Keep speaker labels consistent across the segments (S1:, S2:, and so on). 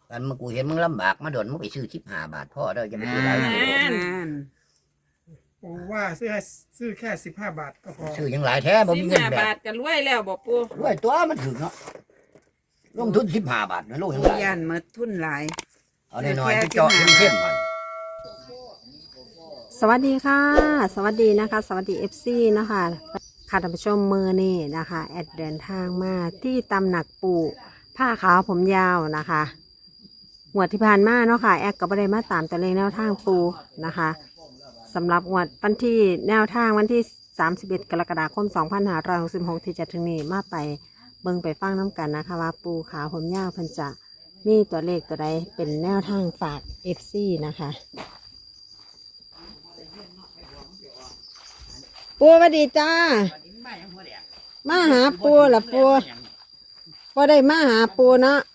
S1: กันมากูเห็นมึงลำบากมาโดนมึงไปซื้อ15 บาทพ่อเด้อจะไปซื้อหลายกิโล
S2: ผมว่าซื้อแค่15 บาทก็พอ
S1: ซื้อยังหลายแท้บ่มีเงินแบบ
S3: 15 บาทก็รวยแล้วบ่ปู่
S1: รวยตัวมันถึงเนาะลงทุน15 บาทนะลูกยัง
S4: ปู่
S1: หลาย
S4: ย่านมาทุนหลาย
S1: เอาน้อยๆไปเจาะเข้มๆมัน
S5: สวัสดีค่ะ สวัสดีนะคะ สวัสดี FC นะคะค่ะท่านผู้ชมมือนี่นะคะแอดเดินทางมาที่ตำหนักปู่ผ้าขาวผมยาวนะคะงวดที่ผ่านมาเนาะค่ะแอดก็บ่ได้มาตามตัวเลขแนวทางปู่นะคะสำหรับงวดวันที่แนวทางวันที่31 กรกฎาคม 2566 ที่จะถึงนี้มาไปเบิ่งไปฟังน้ำกันนะคะว่าปู่ขาวผมยาวเพิ่นจะมีตัวเลขตัวใดเป็นแนวทางฝาก FC นะคะปูสวัสดีจ้ามาหาปูล่ะปูพอได้มาหาปูเนาะ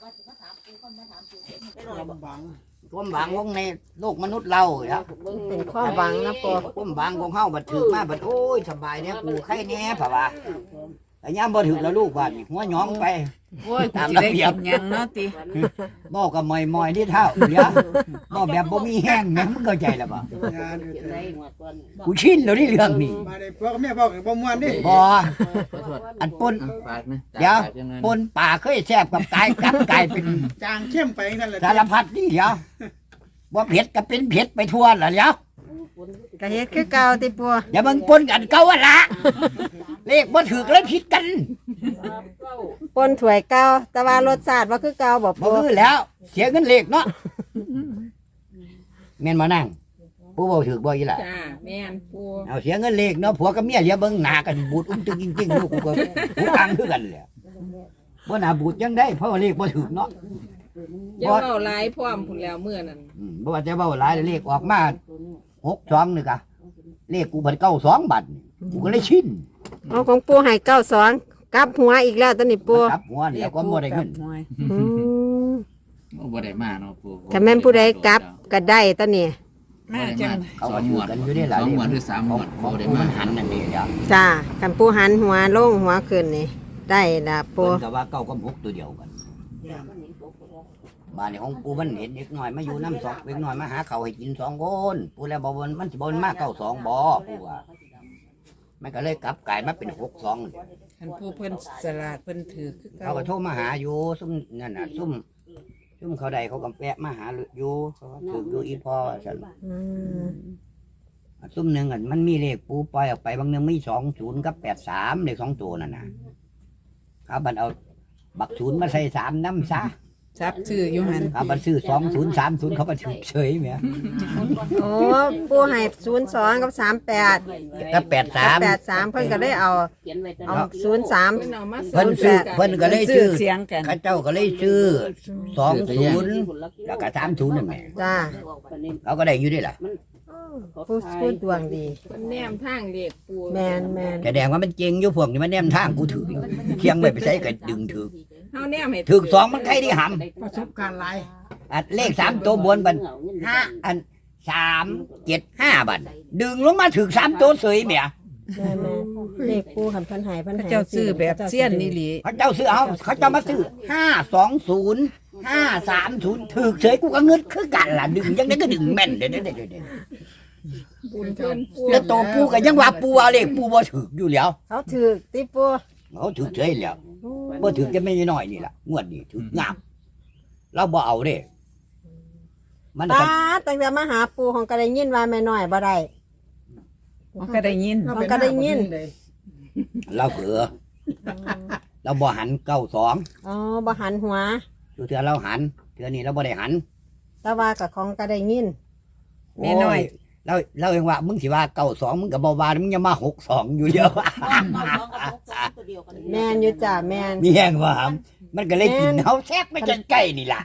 S1: ความหวังของในโลกมนุษย์เราครับ
S5: เป็นความหวังนะปู
S1: ความหวังของเฮาบัดถึกมาบัดโอ้ยสบายเนี่ยกูไข่แน่ผ่าว่าแต่ยามบ่ถึกแล้วลูกบาดนี่หัวหยองไป
S4: โอ้ยกูสิได้กินหยังเนาะติ
S1: บ่กับมอยๆนี่เท่าเดี๋ยวบ่แบบบ่มีแห้งแม่มึงเข้าใจแล้วบ่กูชินแล้วนี่เรื่องนี้
S2: มาได้พ่อกับแม่พ่อกับบ่ม่วนดิ
S1: บ่อันปน
S6: ฝากนะ
S1: เดี๋ยวปนป่าเคยแซ่บกับกายกลับกลายเป็น
S2: จางเข้มไปนั่นแหละ
S1: สารพัดนี่เดี๋ยวบ่เผ็ดก็เป็นเผ็ดไปทั่วล่ะเดี๋ยว
S5: กะเฮ็ดคือเก่าติปู
S1: อย่าเบิ่งปนกันเก่าว่าละเลขบ่ถูกเลยผิดกัน
S5: ปนถ้วยเก่าแต่ว่ารสชาติว่าคือเก่าบ่
S1: บ่
S5: ปู
S1: คือแล้ว เสียเงินเลขเนาะแม่นบ่นั่งผู้บ่ถูกบ่อีหล่ะ
S3: จ้าแม่นปู่
S1: เอาเสียเงินเลขเนาะผัวกับเมียอย่าเบิ่งหน้ากันบูดตึงจริงๆลูกกูก็หูอังคือกันแหละบ่น่าบูดจังได้เพราะว่าเลขบ่ถูกเนาะ
S3: อย่าเว้าหลายพร้อมพุ่นแล้วมื้อนั้น
S1: บ่ว่าจะเว้าหลายเลขออกมา62นี่กะเลขกูเพิ่น92บาทกูก็เลยชิน
S5: เอาของปูให้92กลับหัวอีกแล้วตอนนี้ปู
S1: กลับหัวแล้วก็บ่ได้เงิน
S5: อืม
S6: บ่ได้มาเนาะปู่
S5: ถ้าแม่นผู้ใดกลับก็ได้ตอนนี้
S4: มาจัง
S1: เขาก็อยู่กันอยู่ได้หลาย
S6: 2 งวดหรือ3 งวด
S1: ของ
S6: บ่ได้
S1: กู
S6: มา
S1: มันหันนั่นนี่เดี๋ยว
S5: จ้ากันปูหันหัวลงหัวขึ้นนี่ได้ละปู
S1: เพิ่นก็ว่า9กับ6ตัวเดียวกันบ้านนี้ของกูมันเห็นเด็กน้อยมาอยู่น้ำสองเด็กน้อยมาหาข้าวให้กิน2 คนปูแล้วบ่บ่มันสิบ่มา92บ่ปูว่ามันก็เลยกลับกลายมาเป็น62นี่
S4: คันผู้เพิ่นสลาดเพิ่นถือคือเก่า
S1: เขาก็โทรมาหาอยู่ซุ่มนั่นน่ะซุ่มเขาใดเขาก็แวะมาหาอยู่เขาก็ถืออยู่อีพ่อซั่น
S5: อืม
S1: ซุ่มหนึงอันมันมีเลขปูปล่อยออกไปบางหนึงมี20กับ83เลข2ตัวนั่นน่ะเขาบัดเอาบัก0มาใส่3นำซะ
S4: ซับชื่ออยู่หั่น
S1: เขาบัดซื้อ2030เขาก็ถือเฉยแหม
S5: โอ้ปูให้02กับ38
S1: ถ้า
S5: กับ
S1: 83
S5: 83เพิ่นก็ได้เอา03
S3: เพิ่นเอามา
S1: เพิ่นซื้อเพิ่นก็เลย
S4: ชื่
S1: ซื้
S4: อ
S1: อ
S4: เสียงกัน
S1: เขาเจ้าก็เลยซื้อ20แล้วก็30นั่นแหละ
S5: จ้า
S1: เขาก็ได้อยู่ด้วยล่ะ
S5: ผู้ดวงดี
S3: เพิ่นแนมทางเลขปู่
S5: แมน
S1: แสดงว่ามันเจริงอยู่พวกนี้มันแนมทางกูถือเคียงไว้ไปใช้ก็ดึงถือ
S3: เฮาแนมให้
S1: ถือ2มันใครได้หำ
S2: ประสบการณ์หลาย
S1: อันเลข3ตัวบนบัน5อัน375บันดึงลงมาถึง3ตัวเสยแหม
S5: แม่เลขปูคันเพิ่นให้เพิ่นให้
S4: เจ้าซื้อแบบเสี้ยนนี่หลี
S1: เขาเจ้าซื้อเอาเขาเจ้ามาซื้อ520 530ถือเสยกูก็เงินคือกันล่ะดึงยังไงก็ดึงแม่นเด้อ
S3: บุญเพิ่นปู่
S1: แล้วตัวปูก็ยังว่าปูเอาเลขปูบ่ถืออยู่แล้ว
S5: เขาถือติปู
S1: เขาถือเฉยแล้วบ่ถือจะไม่น้อยนี่ล่ะงวดนี้ถืองามเราบ่เอาเด้มัน
S5: ป้า
S1: ก็
S5: ตั้งแต่มาหาปูของก็ได้ยินว่าแม่น้อยบ่ได้
S4: มันก็ได้ยิน
S5: มันก็ได้ยิน
S1: เราเผือเราบ่หัน92
S5: อ๋อบ่หันหัว
S1: อยู่เทื่อเราหันเทื่อนี้เราบ่ได้หัน
S5: แต่ว่ากับของก็ได้ยิน
S4: แม่น้อย
S1: โเราเองว่ามึงสิว่า92มึงก็บ่ว่ามึงอย่ามา62อยู่เยอะ
S5: แมนอยู่จ้าแมน
S1: มีแห้งว่าหำมันก็เลยกินเฮาแทบไม่จนใกล้นี่ล่ะ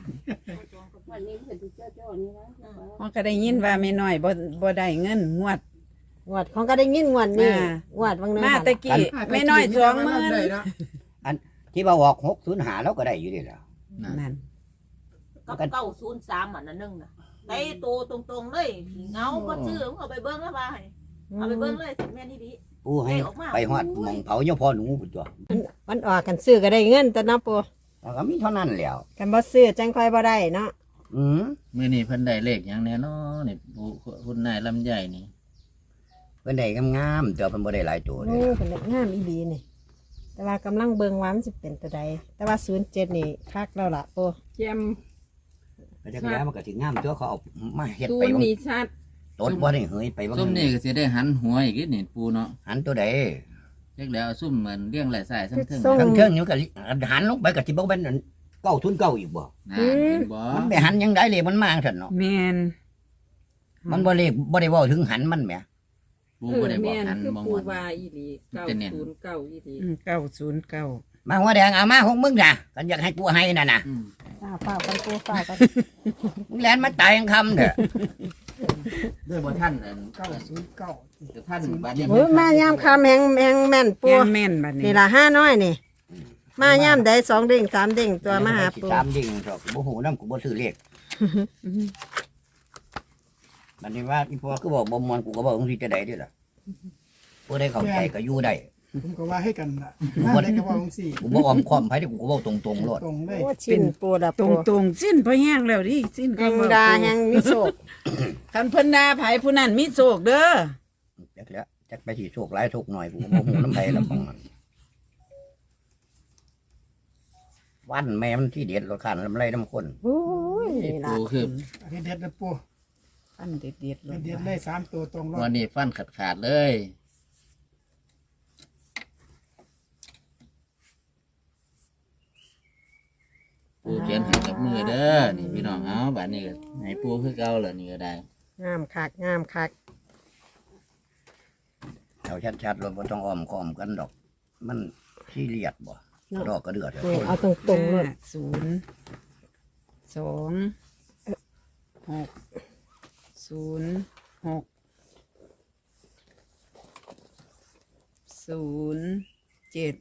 S4: มันก็ได้ยินว่าแม่น้อยบ่ได้เงินงวด
S5: งวดของก็ได้ยินงวดนี่
S4: อ่า
S5: งวดบางนึง
S4: มาตะกี้แม่น้อย20,000
S1: ที่ว่าออก605แล้วก็ได้อยู่นี่แหละ
S4: นั่น
S7: กับ903อันนั้นนึงน่ะได้โตตรงๆเลยเงาก็ชื่อมึงเอาไปเบิ่งแล้วว่าให้เอาไปเบิ่งเลยสิแม่นอีดี
S1: ปูให้ไปฮอดหม่องเผาเจ้าพ่อหนูพุ่นตัว
S5: มันออกกันซื้อก็ได้เงินแต่นะปู
S1: แล้วก็มีเท่านั้นแหล้ว
S5: กันบ่ซื้อจังค่อยบ่ได้เนาะ
S1: อืม
S6: มื้อนี้เพิ่นได้เลขหยังแน่นอนนี่ผู้คุณนายลำไยนี่
S1: เพิ่นได้งามๆแต่เพิ่นบ่ได้หลายตัวเล
S5: โอ้
S1: ย
S5: เป็นงามอีหลีนี่แต่ว่ากำลังเบิ่งว่ามันสิเป็นตัวใดแต่ว่า07นี่คักแล้วล่ะปู
S3: แจ่ม
S1: ก็จักแล้วมันก็สิงามตัวเขาเอามาเฮ็ด
S3: ศู
S1: ไป
S3: นย์
S1: บาง
S3: นี่ชัด
S1: ต้นบ่ได้เฮยไปบาง
S6: ซุ่มนี่ก็สิได้หันหัวอีกนิดนี่ปูเนาะ
S1: หันตัวใด
S6: จักแล้วซุ่มเหมือนเลี้ยงหลายสายทั้งเทิง
S5: ส่ง
S1: ทั้งเทิงนี่มันก็หันลงไปก็สิบ่เป็น909อีกบ่
S6: นะเห็นบ่
S1: มันไปหันยังได้เลยมันมาจังซั่นเนาะ
S4: แม่น
S1: มันบ่ได้บ่ได้เว้าถึงหันมันแหม
S6: ปูบ่ได้บอก
S3: แม่น
S6: หัน
S3: คือ
S6: บ่
S3: ปู
S6: ม่วน
S3: วาอีหลี909อีหลี
S4: 909
S1: มาหัวแดงเอามาของมึงน่ะกันอยากให้กูให้นั่นน่ะ
S6: อืม
S5: ฝ้าวกันปูฝ้าวกัน
S1: มึงแลนมาตายยังคำเด้อ
S6: ด้วยบ่ท่านอัน
S2: 909
S6: แต่ท่านบัดนี้
S5: โอ้ยมายามคำแหงแม่นปู
S4: ยังแม่นบัดนี้
S5: นี่ล่ะ5น้อยนี่ มายามใด2เด้ง3เด้งตัวมาหาปู
S1: ตามดิ่งดอกบ่ฮู้นำกูบ่ซื้อเลขบัดนี้ว่าอีพ่อคือบอกบ่ม่วนกูก็บอกจังซี่จะได้เด้อล่ะบ่ได้เข้าใจก็อยู่ได้
S2: ผมก็ว่าให้กันล่ะมาได้ก็ว่าจังซี่
S1: กูบ่อ้อมค้อมไผเด้อกูก็เว้าตรงๆโลด
S2: ตรงเลย
S5: โอ้ชิ้นปูละ
S4: ต
S5: ปู
S4: รงสิ้นพอแห้งแล้วดิสิ้น
S5: แหงดาแหงมีโศก
S4: คันเพิ่นด่าไผผู้นั้นมีโชคเด้อ
S1: จักแล้วจักไปสิโชคหลายโชคน้อยกูก็บ่ฮู้นำไผแล้วของมันวันแม่มันที่เด็ดรถคันลำไรน้ำคน
S5: โอ้ยนี่ล่ะ
S6: ปูคือ
S2: อันนี้เด็ดนะปู
S4: อันเด็ดๆเล
S2: เด็
S4: ย
S2: ดเลย3ตัวตรงรอ
S6: วัน
S2: ด
S6: นี้ฟันขาดเลยปูเขียนให้กับมือเด้อนี่พี่น้องเอาบัดนี้ก็ให้ปูคือเก่าแล้วนี่ก็ได้
S5: งามคักงามคัก
S1: เอาชัดๆรถบ่ต้องอ้อมค้อมกันดอก มันขี้เลียดบ่ดอกกระเดือด
S5: นี่เอาตรงๆเลย
S4: 0 2 6 0 6 0 7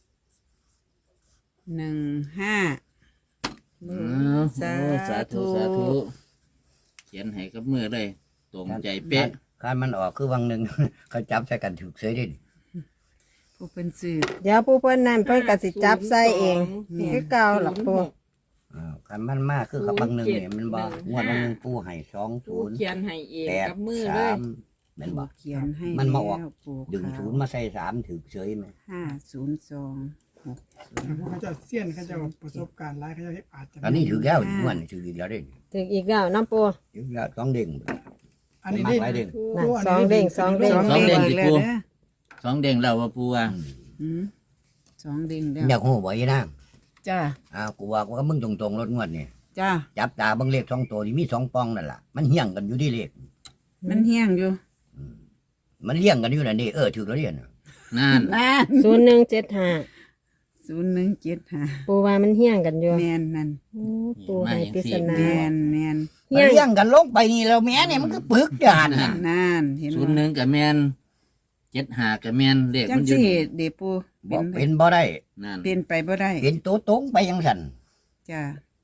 S4: 1 5
S6: สาธุสาธุเขียนให้กับมือเลยตรงใจเป๊ะ
S1: คันมันออกคือวังหนึง เขาจับใส่กันถูกเสยเดิ
S4: ผู้เป็นสื่อ
S5: เดี๋ยวผู้เพิ่นนั่นเพิ่นก็สิจับใส่เองคือเก่าล่ะปู
S1: คันมันมากคือกับวังหนึงเนี่ยมันบ่งวดวังหนึงปูให้
S3: ปูเขียนให้เอง
S1: 2
S3: กับมือ
S1: 8
S3: เลย
S1: 3แม่นบ่
S4: เขียนให้
S1: มันมาออก
S4: แล้วปู่
S1: ดึง
S4: ขาว
S1: ศูนย์มาใส่3ถูกเสยไหม
S4: 502
S2: เขาจะเสี้ยนเขาจะประสบการณ์หลายเขาจะอาจจะ
S1: ตอนนี้ถูกแล้วงวดนี้ถูกอีกแล้วเด้
S5: ถึงอีกแล้วน้ำปู
S1: ถูกแล้ว2เด้ง
S2: อันนี้
S1: มากหลายเด้ง
S5: น่ะสองเด้งสองเด้ง
S4: 2 เด้ง
S6: สิ
S4: แล้ว
S6: ปู
S4: เด้อ
S6: 2 เด้งแล้วว่าปูว่า
S4: อืม2 เด้งแล้ว
S1: อยากฮู้บ่อีนาง
S4: จ้า
S1: กูว่ากูก็มึงตรงๆรถงวดนี่
S4: จ้า
S1: จับตาเบิ่งเลข2ตัวนี่มี2ปองนั่นล่ะมันเฮี้ยงกันอยู่ที่เลข
S4: มันเฮี้ยงอยู่
S1: มันเลี้ยงกันอยู่นั่นนี่ถูกแล้วเด้น่ะ
S6: นั่น
S4: นั่น
S5: 0175
S4: 0175
S5: ปูว่ามันเฮี้ยงกันอยู่
S4: แม่นนั่น
S5: โอ้ปูให้ปริศนา
S4: แม่นแม่น
S1: มันเลี้ยงกันลงไปนี่แล้วแม่เนี่ยมันก็ปึกจานน่ะ
S4: นั่นเห็น
S6: ศูนย์หนึ่งกับแมน75กับแมนเลข
S4: จั
S6: มั
S4: ง
S6: นอยู่
S4: สิเดปู
S1: บ่เป็นบ่ได้
S6: นั่น
S4: เป็นไปบ่ได้
S1: เป็นตัวตรงไปยังสั่น
S4: จ้า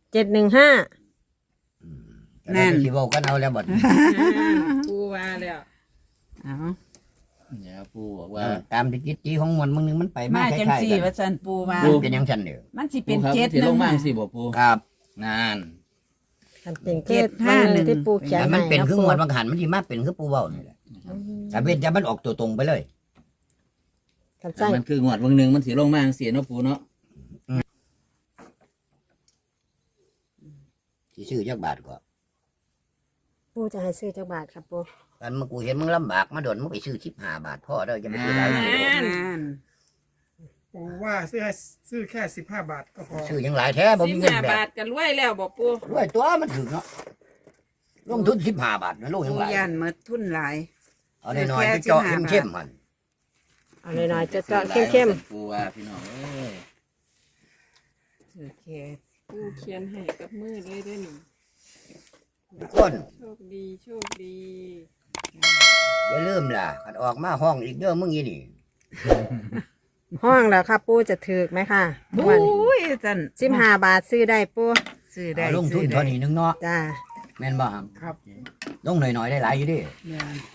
S5: 715
S4: นั่น
S1: สิเว้ากันเอาแล้วบัด
S3: ปูว่าแล้ว
S4: เอา
S6: เดี๋ยวปูบอกว่า
S1: ตามที่จิตจีของมันมึงนึงมันไปมา
S4: มา
S1: ค
S4: จัง
S1: ล้าย
S4: สี่
S1: ๆกัน
S4: ว่าซั่นปูว่า
S1: มันเป็นยังสั่นเด้อ
S4: มันสิ
S6: ปู
S4: เป็น
S6: ครับ
S4: เจ็ด
S6: ที่ลงมา
S4: หนึ่
S6: สิบ่ปู
S1: ครับ
S6: นั่น
S5: อันเป็นคือมันที่ปูเขียน
S1: แต่มัน
S5: ให้
S1: เป็น
S5: นะ
S1: คือ
S5: ปู
S1: งวดบางหันมันสิมาเป็นคือปูเว้านี่แหละแต่เป็นจะมันออกตัวตรงไปเลย
S5: กัน
S6: แต่
S5: ใส่
S6: มันคืองวดวันหนึ่งมันสิลงมาเสียเนาะปูเนาะ
S1: สิซื้อจักบาทก็
S5: ปูจะให้ซื้อจักบาทครับปู
S1: กันเมื่อกูเห็นมึงลำบากมาโดนมึงไปซื้อ15 บาทพ่อเด้อจะไม่ซื้อหลายตัว
S4: นั่น
S2: ปูว่าซื้อแค่15 บาทก็พอ
S1: ซื้อยังหลายแท้บ่มีเงิน
S3: 15
S1: แบบ
S3: บาทกันรวยแล้วบ่ปู
S1: ด้วยตัวมันถึงเนาะลงทุน15 บาทนะลงยัง
S4: ปู
S1: หลาย
S4: ย่านหมดทุนหลาย
S1: เอาน้อยๆไปเจาะเข้มๆมัน
S5: เอาหน่อยๆจะเจาะเข้ม
S6: ปูว่าพี่น้องเอ้ย
S4: โอเค
S3: ปูเขียนให้กับมือเลยเด้อนี่
S1: คน
S3: โชคดีโชคดี
S1: อย่าลืมล่ะคันออกมาห้องอีกเด้อมึงอีนี่
S5: ๆห้องแล้วครับปูจะถือไหมค่ะ
S4: โอ้ยซั่น
S5: 15 บาทซื้อได้ปู
S4: ซื้อได้
S1: เอาลงทุน
S4: ซื้อได้
S1: เท่านี้นึงเนาะ
S5: จ้า
S1: แม่นบ่ครับ
S2: ครับ
S1: ลงหน่อยๆได้หลายอยู่ดิ
S4: แม่น